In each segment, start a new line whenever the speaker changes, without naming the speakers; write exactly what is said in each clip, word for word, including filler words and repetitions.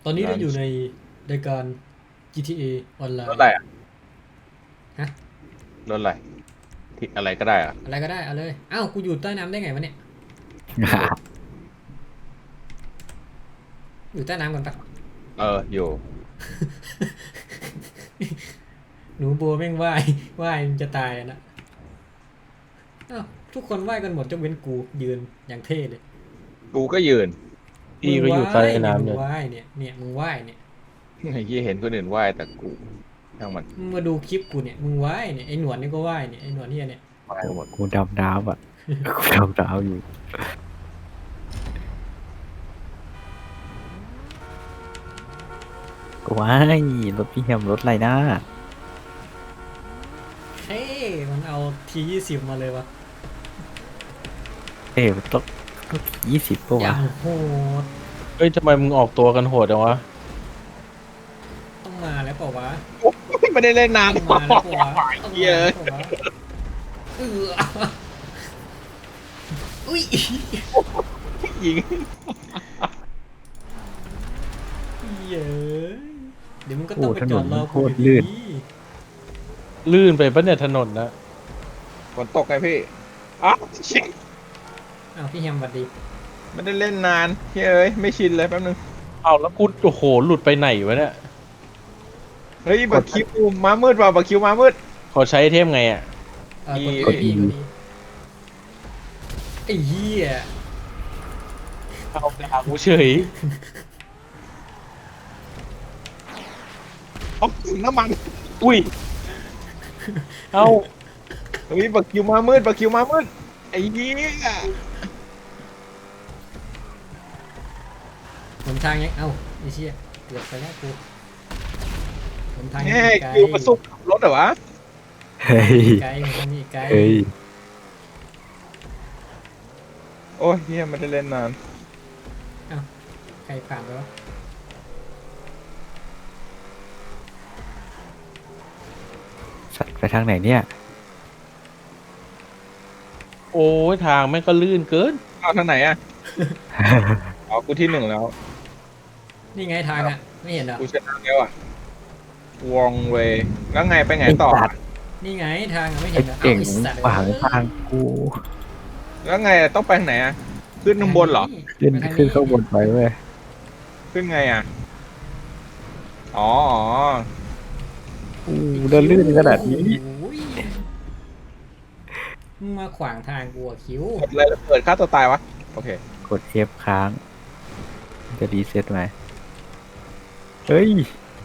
ตอนนี้เรา
นั้น
อยู่ในรายการ จี ที เอ ออนไลน์
รถอะไรอ่ะ
ฮะ
รถอะไรที่อะไรก็ได้อ่ะ
อะไรก็ได้เอาเลยอ้าวกูอยู่ใต้น้ำได้ไงวะเนี่ย
ไม่รู้
อยู่ใต้น้ำกันปะ
เอออยู่
หนูบัวแม่งว่ายว่ายมันจะตายอะนะอ้าวทุกคนว่ายกันหมดยกเว้นกูยืนอย่างเท่เลย
กูก็ยืน
มึ
พี่ก็อยู่
งว่า
ใต้
ยเนี่ยมึ
น้ำเลย
งว่ายเนี่ยเนี่ยมึงว่ายเนี่ย
ไอ้ยี่เห็นคนอื่นว่ายแต่กูช่างมัน
มึงมาดูคลิปกูเนี่ยมึงว่ายเนี่ยไอหนวดนี่ก็ว่ายเนี่ยไอหนวดเหียเนี่ย
ว่ายหมด
กูดำน้ำอ่ะกูดำน้ำอยู่กูว้ายรถพี่แฮมรถอะไรนะ
เฮ้ยมันเอาทียี่สิบมาเลยวะ
เอ้ยรถรถยี่สิบปะวะ
อย่างโหด
เฮ้ยทำไมมึงออกตัวกันโหดจังวะ
ต้องมาแล้วเปล่าวะ
ไม่ได้เล่นนาน
ต้องมาแล้วเปล่าวะต้องมา
เยอะ
แล้วเปล่าวะเอออุ้ย
ยิง
เย้ยเดี๋ยวมึงก็ต้
โอ้
องไป
ถนนมันโค
จอดรอกู
ตร
อยู่
ลื่น
ดี
ลื่นไปปะเนี่ยถนนนะ
ฝนตกไงพี่อ้าวชิบ
อ้าวพี่แฮมสวัสดี
ไม่ได้เล่นนานเฮ้ยไม่ชินเลยแป๊บนึง
เอาแล้วกูโอ้โหหลุดไปไหนวะเนี่ย
เฮ้ยบักคิวมามืดว่ะบักคิวมามืด
เขาใช้เทมไงอ่ะ
เออกด
อี
กดอีกดอีไอ้เหี้ย
เอาดาวกูเฉย
เอาน้ำมัน
อุ้ยเอา
เฮ้ยบักคิวมามืดบักคิวมามืดไอ้เหี้ย
หนทางยังเอ้าไอ้เชี่ยเกือบไปแล้วกูหนทางยัง
แง่
มีไกล
คิวมาซุกขับรถเหรอวะ
เฮ้ย
ไกลหนทางมีไกล
เฮ้ย
โอ้ยเฮียไม่ได้เล่นนาน
ใครผ่านไปวะ
สัตว์ไปทางไหนเนี่ยโอ้ยทางแม่งก็ลื่นเกิน
เอาทางไหนอ่ะ อ๋อกูที่หนึ่งแล้ว
นี่ไงทางอ่ะไม่เห็นเหรอ
กูชนะแล้วอ่ะวองเวย์แล้วไงไปไงต่อ
ไอ้สัตว์
นี่ไงทางอะไม่
ไอ้
เห็นเหรอ
เก่ง
ไอ้สัตว์
ขวางทางกู
แล้วไงต้องไปทางไหนอ่ะ ขึ้นข้างบนเหรอ
ขึ้นขึ้นข้างบนไปเว้ย
ขึ้นไงอ่ะ อ๋ออ๋อ
อู้เดินลื่นขนาดนี้
โอ้ยมึงมาขวางทางกูอะคิ้ว
กดเลยแล้วเปิดค่าตัวตายวะ โอเค
กด F ค้าง จะรีเซ็ตไหมเฮ้ย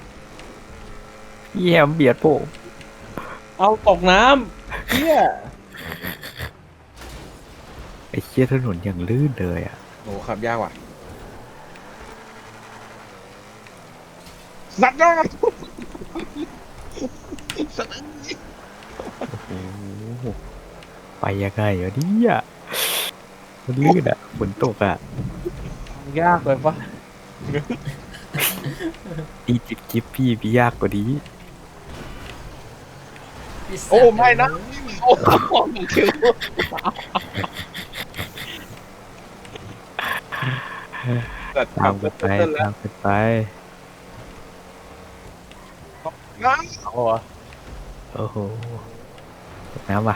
พี่แฮมเบียดโปะเอาตกน้ำเฮียไอ้เชี่ยถนนอย่างลื่นเลยอ่ะ
โอ้ขับยากว่ะสัตว์นะสัตว์
โอ้โหไปยังไงวะเนี่ยมันลื่นอ่ะฝนตกอ่ะ ยากเลยปะดีจิบจิบพี่พี่ยากกว่านี้
ไสัตว์
โอ้ไม่นะ โอ้โหคิว สัตว์
ตา
ขั
ม
บ
กันไป
เต้นแล้
ตาว มกันไป
นะ
เอาเหรอโอ้โหตกน้ำว่ะ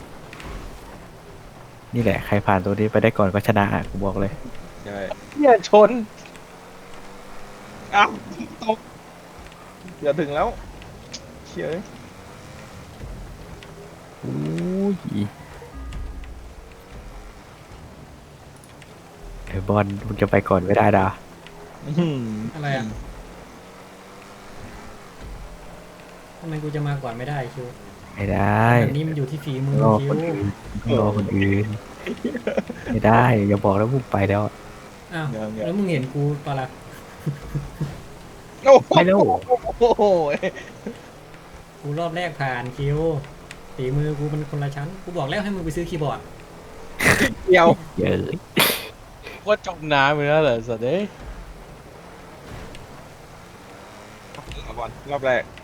นี่แหละ ใครผ่านตัวนี้ไปได้ก่อนก็ชนะอ่ะกูบอกเลย
ใช่
เฮียชน
อ้าวตกอย่าถึงแล้วเชี่ย
อู้ยไอ้บอลมึงจะไปก่อนไม่ได้ดา
อะไรอ่ะทำไมกูจะมาก่อนไม่ได้คิว
ไม่ได้
แบบนี้มันอยู่ที่ฝีมือ
รอ
คิ
คว นอื่นต้องรอคนอื่น ไม่ได้ อย่าบอกแล้วมึงไปแล้ว
อ้าวแล้วมึงเห็นกูปะล่ะ
โอ้โห
ไม่แล้ว
โอ้โห
กูรอบแรกผ่านคิวฝีมือกูมันคนละชั้นกูบอกแล้วให้มึงไปซื้อคีย์บอร์ด
เดียว
เยอะ
ว่าจมน้ำไปแล้วเหรอสัตว์เอ้ย
เอาบอลรอบแรก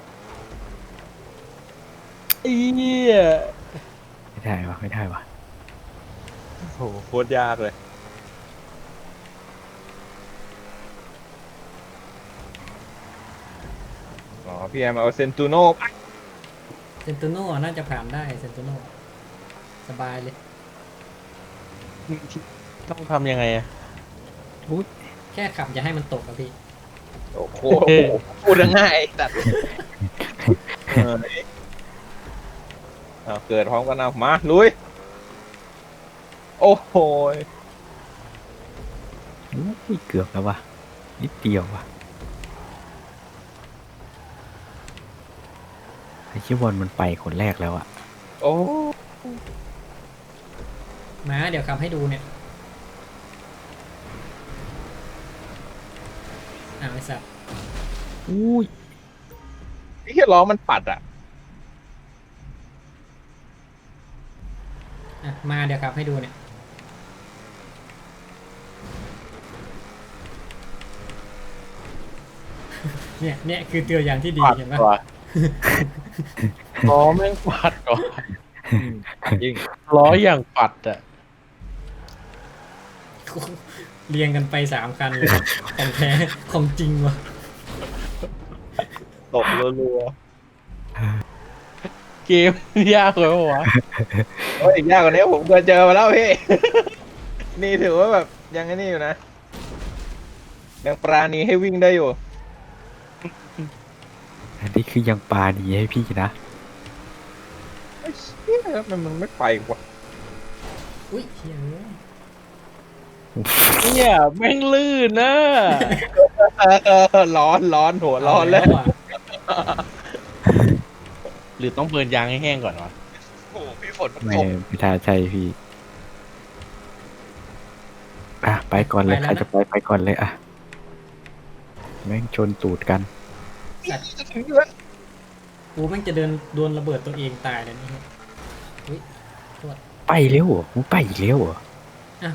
เอี้ย
ไม่ได้วะไม่ได้วะ
โอ้โหโคตรยากเลยพี่แอมเอาเซนตูโน่
เซนตูโน่น่าจะผ่านได้เซนตูโน่สบายเลย
ต้องทำยังไงอะ
แค่ขับอย่าให้มันตกอะพี่
โอ้โหพูดง่ายตัดเออเอาเกิดพร้อมกันเอามาลุยโอ้โห
อุ้ยเกือบแล้ววะนิดเดียววะไอ้ชิวอนมันไปคนแรกแล้วอะ
โอ้
มาเดี๋ยวขับให้ดูเนี่ยอ้าวไอ้สัตว์
อุ้ย
ไอ้เหี้ยล้อมันปัดอ่ะ
อ่ะมาเดี๋ยวขับให้ดูเนี่ยเนี่ยเนี่ยคือตัวอย่างที่ดี
ปัด
เห็นไหม
ว่ะล้อแม่งปัดว่ะ
จริง
ล้ออย่างปัดอ่ะ
เรียงกันไปสามคันเลยของแท้ของจริงวะ
ตบรัว
เกมยากเลยวะวะ
ๆโอ้ยอีกยากกว่านี้ผมเคยเจอมาแล้วพี่ นี่ถือว่าแบบยังไงนี่อยู่นะยังปราณีให้วิ่งได้อยู่
อันนี้คือยังปาดีให้พี่นะ
ไอ้เชี่ยมันมันไม่ไปวะ
อุ้ยเฮ้ย
เนี่ยแม่งลื่นนะ
เออร้อนร้อนหัวร้อนแล้ว
อ่ะ
หรือต้องเบิร์นยางให้แห้งก่อนวะ
โอ้โหพี่ฝนมัน
ไม่
ตก
ไม่ทาใช่พี่อ่ะไปก่อนเลยใครจะไปไปก่อนเลยอ่ะแม่งชนตูดกัน
จะถึงอยู่แล้ว
กูแม่งจะเดินโดนระเบิดตัวเองตายเลยนี่อุ้ยโทษ
ไปเร็วเหรอมึงไปอีกเร็วเหรอ
อ่ะ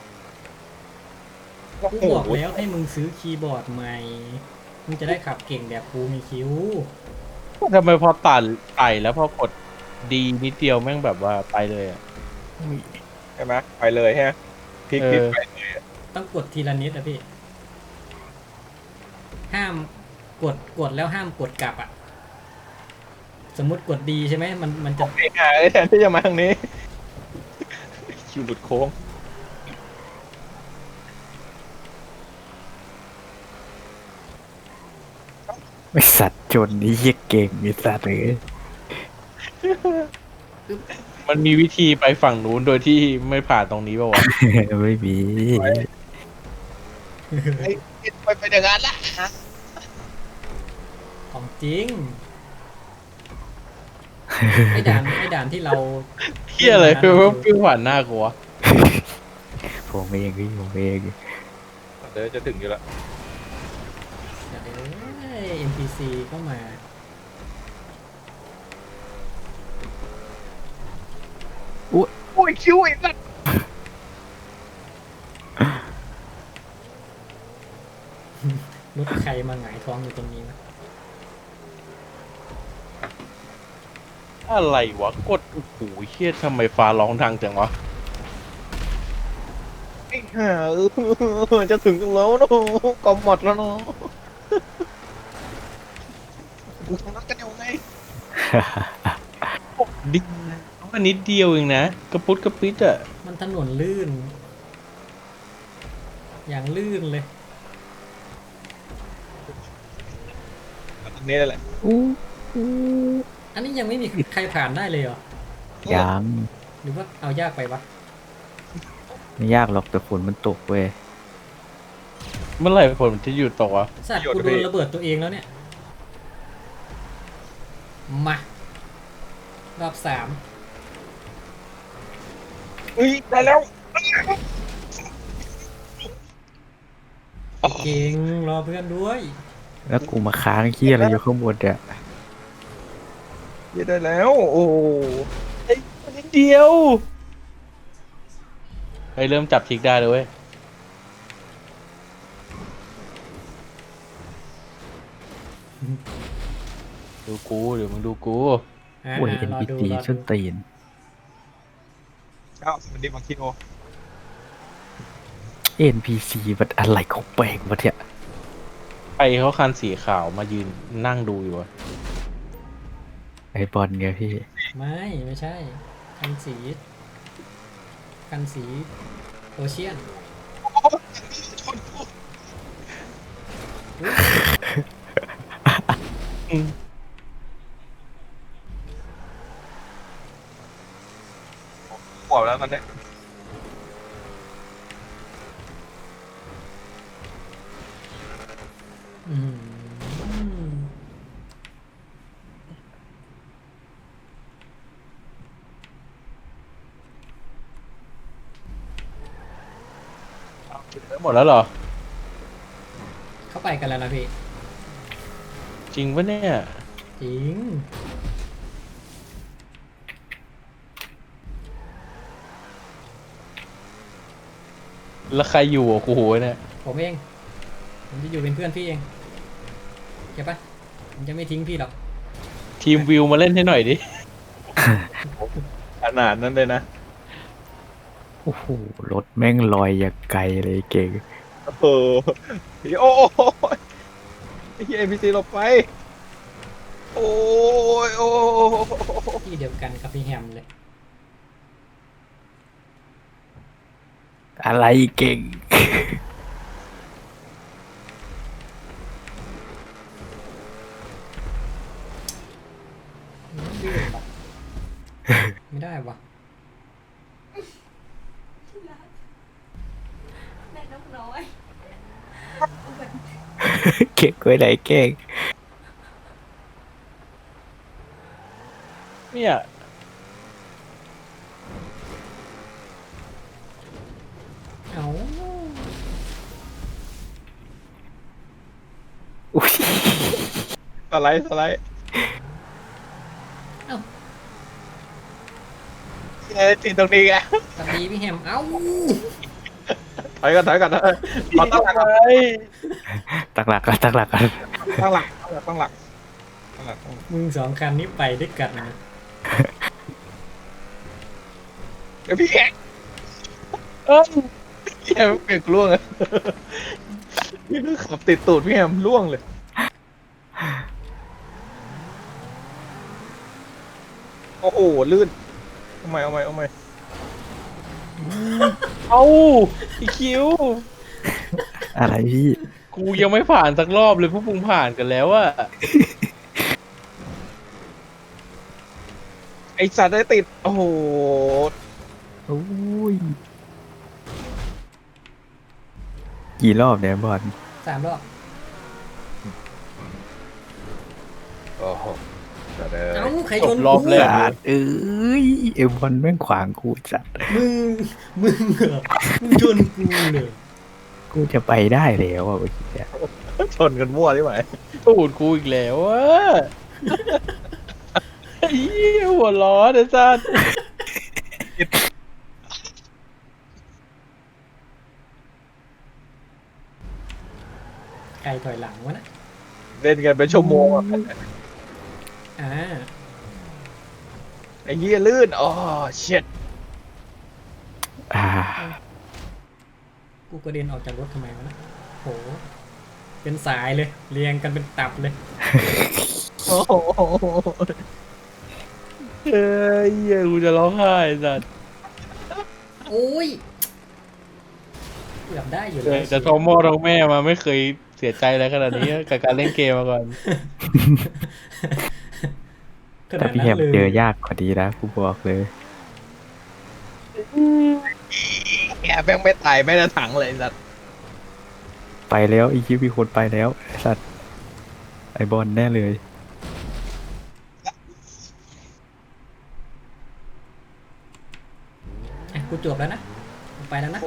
โอ้
กู
โห
บอกแล้วให้มึงซื้อคีย์บอร์ดใหม่มึงจะได้ขับเก่งแบบกูมีคิ้ว
ทำไมพอตัดไต่แล้วพอกดดีนิดเดียวแม่งแบบว่าไปเลยอ่ะ
ใช่ไหมไปเลยฮะพลิก
เออ
พลิกไป
ต้องกดทีละนิดอะพี่ ห้ามกดกดแล้วห้ามกดกลับอะสมมุติกดดีใช่ไหมมันมันจะ
เองอ่ะแทนที่จะมาทางนี้ คิวหลุดโค้ง
ไอสัตว์จนนี่เหี้ยเก่งไอสัตว์เลย
มันมีวิธีไปฝั่งนู้นโดยที่ไม่ผ่านตรงนี้ป่าวะ
ไม่มี
ไอ้ไปไปอย่างนั้นละ
ของจริง ไอ้ด่านไอ้ด่านที่เรา
เฮียอะไรเพื่อเพื่อผ่านหน้ากูวะ
ผมเองพี่ผมเอง
เดี๋ยวจะถึงอยู่แล้ว
เอ้ย เอ็น พี ซี ก็มา
โอ้ยคิวอีกแล้ว
รถใครมาหงายท้องอยู่ตรงนี้นะ
อะไรวะกดโอ้โหเฮียทำไมฟ้าร้องดังจังวะ
ไอ้ห่าเออจะถึงแล้วเนาะกอมหมดแล้วเนาะกูทำนัดกันอยู่ไง
ดิว่านิดเดียวเองนะกระปุดกระปิดอ่ะ
มันถนนลื่น อย่างลื่นเลย
ตรงนี้แหละ
อู้อู้
อันนี้ยังไม่มีใครผ่านได้เลยเหรอ
ยัง
หรือว่าเอายากไปวะ
ไม่ยากหรอกแต่ฝนมันตกเว้ย
เมื่อไหร่ฝนมันจะหยุดตกวะ
สัตว์กูโดนระเบิดตัวเองแล้วเนี่ย มา รอบสาม
เฮ้ยได้แล้ว
เก่งรอเพื่อนด้วย
แล้วกูมาค้างเฮียอะไรอยู่ข้างบนเนี่ย
เย้ได้แล้วโอ้โห
ไอ้นิดเดียวไอ้เริ่มจับทิกได้เลยเว้ยดูกูเดี๋ยวมึงดูกู
อ่า
โอ้ยเอ็น
รอ
พี
ดู
ซี
รอ
ส้น
ดู
ตีน
เอ้าสวัสดีบางคิโอ
เอ็นพีซีมันอะไรของแปลงวะเนี่ย
ไปรเขาคันสีขาวมายืนนั่งดูอยู่อะ
ไอบอลไงพี่
ไม่ไม่ใช่ คันสีคันสีโอเชียน
อืม
ขวบแล้วตอนเนี้ย
อืม
หมดแล้วเหรอ
เข้าไปกันแล้วนะพี่
จริงปะเนี่ย
จริง
แล้วใครอยู่อ่ะกูโหยเนี่ย
ผมเอง ผมจะอยู่เป็นเพื่อนพี่เองเก็บปะผมจะไม่ทิ้งพี่หรอก
ทีมวิวมาเล่นให้หน่อยดิ
ขนาดนั้นเลยนะ
โอ้โหรถแม่งลอยอย่างไกลเลยเก่ง
เออโอ้โหไอ้เหี้ยเอ็นพีซีหลบไป โอ้ยโอ้ย
ที่เดียวกันกับพี่แฮมเลย
อะไรเก่ง
ไม่ดื้อว่ะ ไม่ได้วะ
แม่นกน้อย
เก่งไว้ไหนเก่ง
เนี่ย
เอา
อุ้ย
สไลด์สไลด์
เอ้า
เอ้ยติดตรงนี้ไง
สวัสดีพี่แฮม เอ้า
ถอยกันถอยกันเออขอตั้งหลักก่อน
ตั้งหลักกันตั้งหลักกัน
ตั้งหลักตั้งหลักตั้งหลักตั้งหลัก
มึงสองคันนี้ไปด้วยกันนะ
เดี๋ยวพี่แอ๊ก
เอ้ย
พี่แฮมเปลี่ยนล่วงเลยพี่คือขับติดตูดพี่แฮมล่วงเลย โอ้โหลื่นเอาใหม่เอาใหม่เอาใหม่
เอาไอคิว
อะไรพี่
กูยังไม่ผ่านสักรอบเลยพวกมึงผ่านกันแล้วอะ
ไอสัตว์ได้ติด โอ้โห
โอ้ยกี่รอบเนี่ยบอล
สามรอบ
โอ้โหแต่เด้
เอ้า
อ
ใคร
จ
ช
บ
น
รอบ
กู
แรก
จัดเอ้ยเอ็มบอลแม่งขวางกูจัด
มึง มึงเหรอมึงชนกูเลย
กูจะไปได้แล้วอ่ะเมื่อกี้เนี่ย
ชนกันมั่วได้ไหม
ตูดกูอีกแล้วอะไอ้เหี้ยหัวร้อนไอ้สัส
ใครถอยหลังวะนะ
เล่นกันเป็นชั่วโมงอะ
อ่า
ไอ้เหี้ยลื่นอ๋อเช็ด
อ่า
กูกระเด็นออกจากรถทำไมวะนะโห เป็นสายเลย เรียงกันเป็นตับเลย
โอ้โห
เอ้ยเหี้ยกูจะร้องไห้ไอ้สัส
โอ้ยเกือบได้อยู่
เอ
เล
อย แต่ท้องพ่อท้องแม่มาไม่เคยเสียใจอะไรขนาดนี้กับการเล่นเกมมาก่อน
ขนา
แต่
ด
พี่
นั้
แฮ
น
ม
เลย
เจอยากกว่าดีนะกูบอกเลย
แกแม่งไม่ตายไม่ได้ถังเลยไอ้สัตว์
ไปแล้วอีคิวมีคนไปแล้วไอ้สัตว์ไอบอลแน่เลย
อ่ะกูจบแล้วนะกูไปแล้วนะ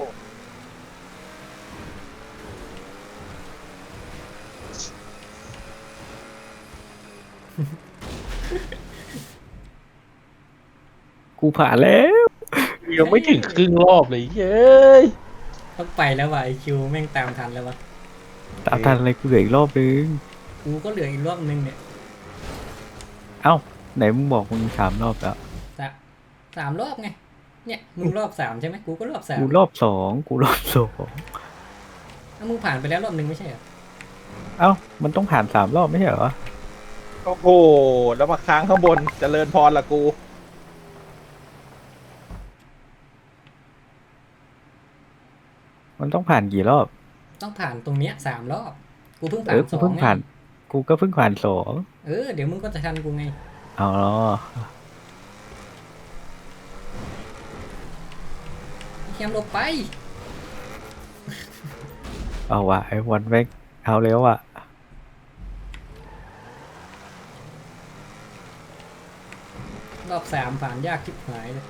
กูผ่านแล้ว
ยังไม่ถึงครึ่งรอบเลยเย้ย
ต้องไปแล้วว่ะไอคิวแม่งตามทันแล้ววะ
ตามทันอะไรกูเหลืออีกรอบนึง
กูก็เหลืออีกรอบนึงเนี่ย
เอ้าไหนมึงบอกมึงสามรอบแล้ว
สะสามรอบไง เนี่ยมึงรอบสามใช่ไหมกูก็รอบสาม
กูรอบสองกูรอบสอง
แล้วมึงผ่านไปแล้วรอบนึงไม่ใช่เหรอ
เอ้ามันต้องผ่านสามรอบไม่ใช่เหรอ
โอ้โหแล้วมาค้างข้างบนเจริญพรละกู
มันต้องผ่านกี่รอบ
ต้องผ่านตรงเนี้ยสามรอบ กูเพิ่ง
เอ
ผ่าน
อ
ส
กู
อง
เพิ่ง
ไง
ผ่าน กูก็เพิ่งผ่านสอง
เออเดี๋ยวมึงก็จะทันกูไง
เอาเนาะ
แคมหลบไป
เอาวะไอ้วันแม่งเอาแล้วอะ
รอบสามผ่านยากชิบหายเลย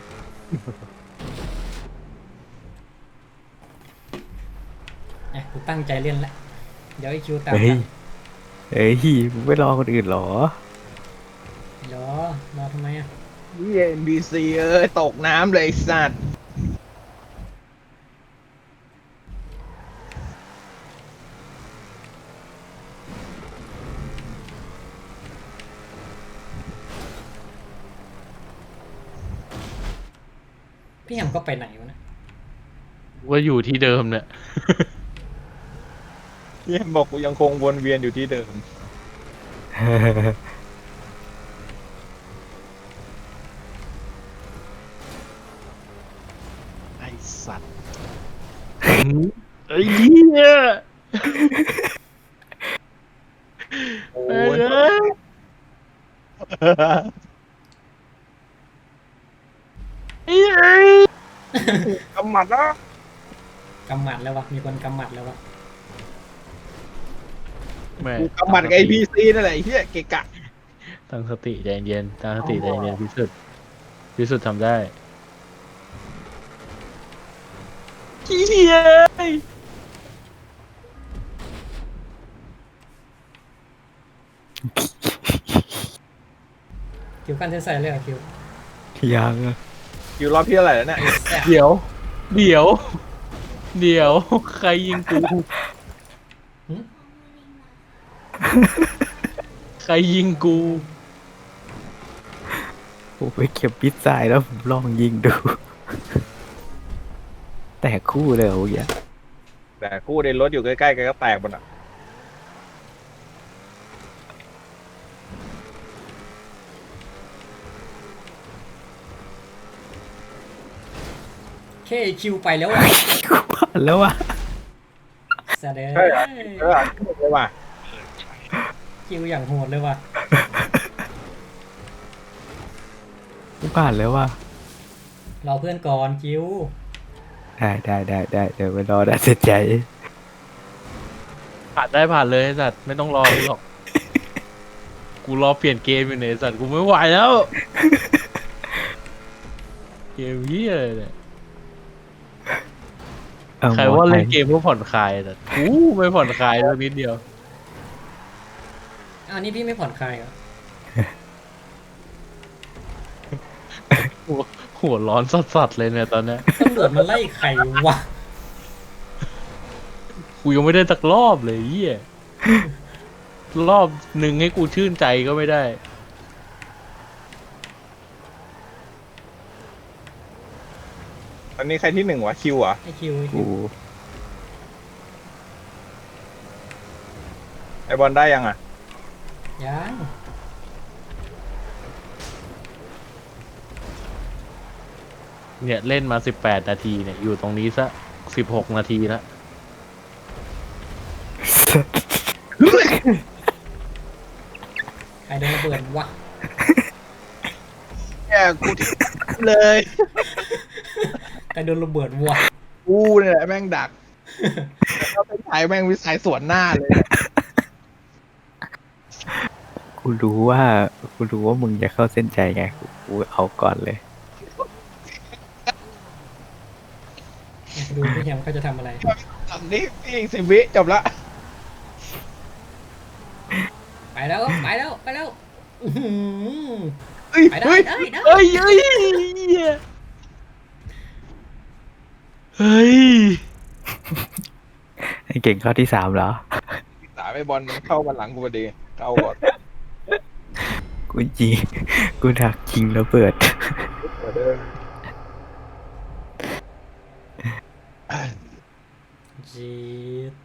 อ่ะกูตั้งใจเล่นละเดี๋ยวไอคิวตาม
เฮ้ย
ทัน
เฮ้ยมึงไม่รอคนอื่นเหรอ
เดี๋ยวรอทำไมอ่ะ
นี่เอ็นบีซีเอ้ยตกน้ำเลยไอ้สัตว์
พี่แฮมก็ไปไหนวะเนะ
ว่าอยู่ที่เดิมเนี่ย
เยี่ยมบอกกูยังคงวนเวียนอยู่ที่เดิมไอสัตว์
ไอ้เหี้ย
โอ้
เอ้
ย
ย ไอ้เอ้ย
กำหมัดแล้ว
กำหมัดแล้ววะมีคนกำหมัดแล้ววะ
แม่
กูกำหมัดกับไอพีซีนั่นแหละไอ้เหี้ยเกะกะ
ตั้งสติใจเย็นตั้งสติใจเย็นพิสุทธิ์พิสุทธิ์ทำได้เหี้ย
คิวกันเส้นใส่เลยเหรอคิว
ยังอะ
อยู่รอบที่เท่าไหร่แล้วเนี่ย
แซ่บ
เดี๋ยว เดี๋ยว เดี๋ยว ใครยิงกู
หึ
ใครยิงกู
ผมไปเก็บพิซซ่าแล้วผมลองยิงดู แต่คู่เลยเหรอเมื่อกี้
แต่คู่ในรถอยู่ใกล้ๆกันก็แตกหมดอ่ะ
แค่คิวไปแล้วอ่ะ
กูผ่านแล้วอะ
แสดง
ใช่เหรอเออเลยว่ะ
คิวอย่างโหดเลยว่ะ
กูผ่านแล้วอะ
รอเพื่อนก่อนคิว
ได้ได้ได้ได้เดี๋ยวไปรอได้เสียใจ
ผ่านได้ผ่านเลยไอ้สัตว์ไม่ต้องรอกูหรอก กูรอเปลี่ยนเกมอยู่เนี่ยไอ้สัตว์กูไม่ไหวแล้ว เกมเหี้ยอะไรเนี่ย
เอา
ใคร
หมอ
ว่า
ไท
เล่
ย
นเกมเพื่อผ่อนคลายแต่กูไม่ผ่อนคลายเลยนิดเดียว
อ้าวนี่พี่ไม่ผ่อนคลายเหรอ
หัวหัวร้อนสัสๆเลยเนี่ยตอนเนี้ย
ตำรวจมาไล่ใครวะ
กูยังไม่ได้สักรอบเลยเหี้ยรอบหนึ่งให้กูชื่นใจก็ไม่ได้
ตอนนี้ใครที่หนึ่งวะคิวเหรอ่ะ
ไอคิวไอคิ
กู
ว
ไอบอลได้ยังอ่ะ
ยัง
เนี่ยเล่นมาสิบแปดนาทีเนี่ยอยู่ตรงนี้ซะสิบหกนาทีแล้ว
ใครโดนระเบิดวะ
แย่กูที่เลย
ใครโดนระเบิดวะ
กูเนี่ยแหละแม่งดักแล้วเป็นไทยแม่งวิสัยสวนหน้าเลย
กูรู้ว่ากูรู้ว่ามึงจะเข้าเส้นใจไงกูกูเอาก่อนเลย
ดูพี่แฮมเขาจะทำอะไร
ตอนนี้พี่อีกสิบวิจบละ
ไปแล้วไปแล้วไปแล้วอื้อหือ
เฮ้ย
ไปได้
เฮ้ย
ได้ได้
เฮ้ยเฮ้ยเหี้ยเฮ้ย
ไอ้เก่งเข้าที่สามเหรอ
สายไปบอลมันเข้ามาหลังกูพอดีเข้าก่อน
กูยิงกูดักยิงระเบิด
เปิดเดิน
จีด